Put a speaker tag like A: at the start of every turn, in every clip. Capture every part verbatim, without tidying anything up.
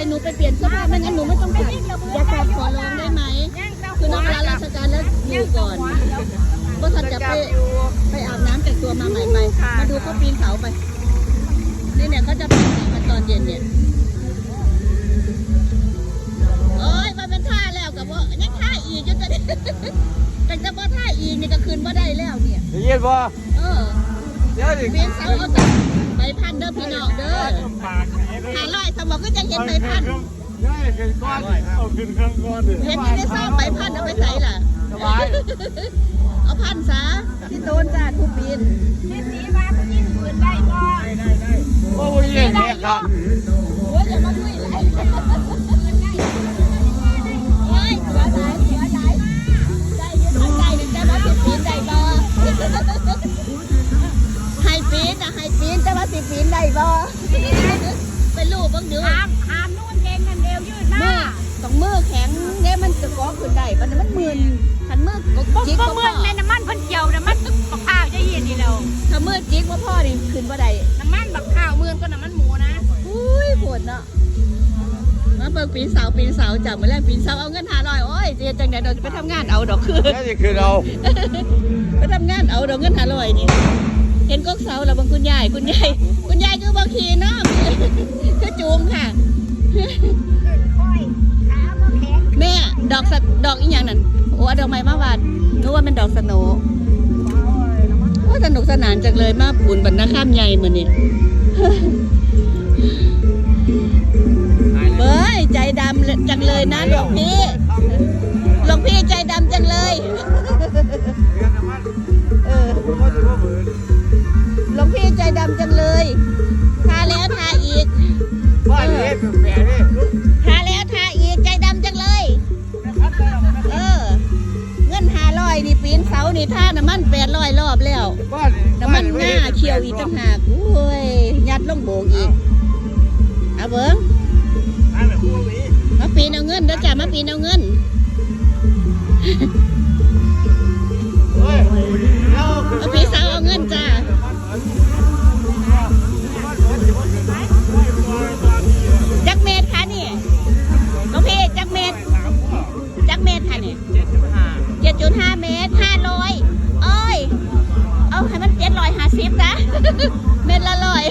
A: หนูไปเปลี่ยนเสื้อผ้าไม่งั้นหนูไม่ต้องกลับอย่ากลับขอร้องได้ไหมคือนักลาราชการแล้วอยู่ก่อนก็ทันจะไปไปอาบน้ำแต่งตัวมาใหม่ๆมาดูเขาปีนเขาไปนี่เนี่ยเขาจะปีนกันตอนเย็นเนี่ยโอ้ยมาเป็นท่าแล้วกับว่ายังท่าอีกจนจะแต่จะว่าท่าอีกนี่ก็คืนว่าได้แล้วเนี่ย
B: ได้ยินบ่
A: เออ
B: เดี๋ยวดิ
A: ปีนเสาเอาแต่ใบพันเด้อพี่น้องเด้อหาลอยสมองก็จะเห็นใบพัน
B: ได้ขึ้นก้อนเอาขึ้นเครื่องก้อนดิ
A: เห็นที่ได้สร้างใบพันเอาไปใส่ล่ะ
B: สบาย
A: เอาพันซะที่โดนจ้าทุกปีนที่สีมาก็ยิ่งปืนได้ก็ได้ได้ได้
B: โอ้ยเด็กครับ
A: โอ้ยอย่ามาคุยเลยโอ้ยตัวไหนตัวไหนได้ยืนทางใจหนึ่งได้มาสิบปีนได้บ่ไฮปีนอะไฮปีนจะมาสิบปีนได้บ่เป็นลูกบ้างดู
C: หามหามนู่นเองนั่นเดียวยืดหน้า
A: ต้องมือแข็งเนี่ยมันจะก้อขึ้นได้ปันมันมึนขันมือ
C: จิกว่าเมื่อในน้ำมันพันเกี่ยวน้ำมันบักข้าวจะเย็นนี่เรา
A: ถ้ามือจิกว่าพ่อนี่ขึ้นว่าได้
C: น้ำมันบักข้าวเมื่อก็น้ำมันหมูนะ
A: อุ้ยปวดเนาะมาเปิดปีนเสาปีนเสาจับมาแล้วปีนเสาเอาเงินหาลอยโอ้ยเจ๊จังไหนเราจะไปทำงานเอาดอกคือ
B: นี่คือเรา
A: ไปทำงานเอาดอกเงินหาลอยนี่เห็นก๊กเสาแล้วบางคุณยายคุณยายคุณยายคือบางทีเนาะคือจูงค่ะแม่ดอกสัดอกอีกอย่างนั้นโอ้ดอกไม้มาวาดนึกว่าเป็นดอกสโนว่าสนุกสนานจังเลยมาบุญบรรณาข้ามใหญ่เหมือนนี่เบ้ยใจดำจังเลยนะหลวงพี่หลวงพี่ใจดำจังเลยเออหลวงพี่ใจดำจังเลยทาแล้วทาอีก
B: ว่าเล็บแผลนี่
A: ทาแล้วทาอีกใจดำจังเลยเออเงินหาร้อยนี่ปีนเสานี่ท่าน้ำมันแปดร้อยรอบแล้วน้ำมันหน้าเขียวอีกต่างหากโอ้ยยัดลงโบกอีกเอาเบิ้งมาปีนเอาเงินเด้อจ้ามาปีนเอาเงินมาปีนเสาเอาเงินจ้าจักเมตรค่ะนี่น้องพี่จักเมตรจักเมตรค่ะนี่เจ็ดจุดห้าเมตรห้าร้อยเอ้ยเอาให้มันเจ็ดร้อยห้าสิบนะเมตรละร้อย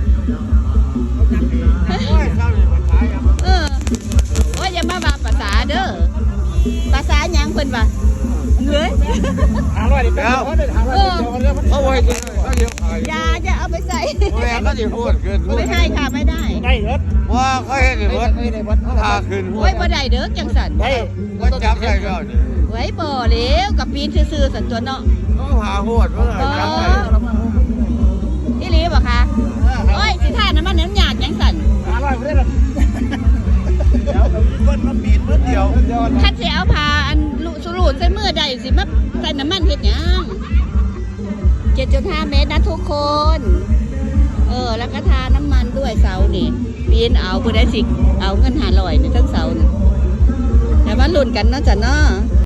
A: เออโอ้ยอย่ามาบาภาษาเด้อภาษาหยังเพิ่นว่าเงย
B: หาร้อยดิแล้วเออเอาไว้กิน
A: อย่าอย่าเอาไปใส่
B: แม่ก็จะพูดขึ้น
A: ไม่ให้ค่ะไม่ได้
B: ได้รถว่าเขาเห็นรถพาขึ้น
A: โอ้ยบ่ได้เด้อจังสัน
B: ก็จับได้ก็
A: ไว้บ่เลี้ยวกับปีนซื่อๆสันตัวเนาะ
B: ก็หาหัวเมื่อไหร่จับได้
A: อีหลีบ่คะโอ้ยสิท่าน้ำมันน้ำหยาดยังสัน
B: หาร้อยไม่ได้หรอกเดี๋ยวมีคนมาปีนเมื่อเดียว
A: ถ้าสิเอาพาอันสุรูดใส่มือได้สิมาใส่น้ำมันเฮ็ดหยังเจ็ดจุดห้าเมตรนะทุกคนเออแล้วก็ทาน้ำมันด้วยเสานี่ปีนเอาผู้ใดสิเอาเงินหาลอยในทั้งเสานี่แต่ว่าลุ้นกันเนาะจ้ะเนาะ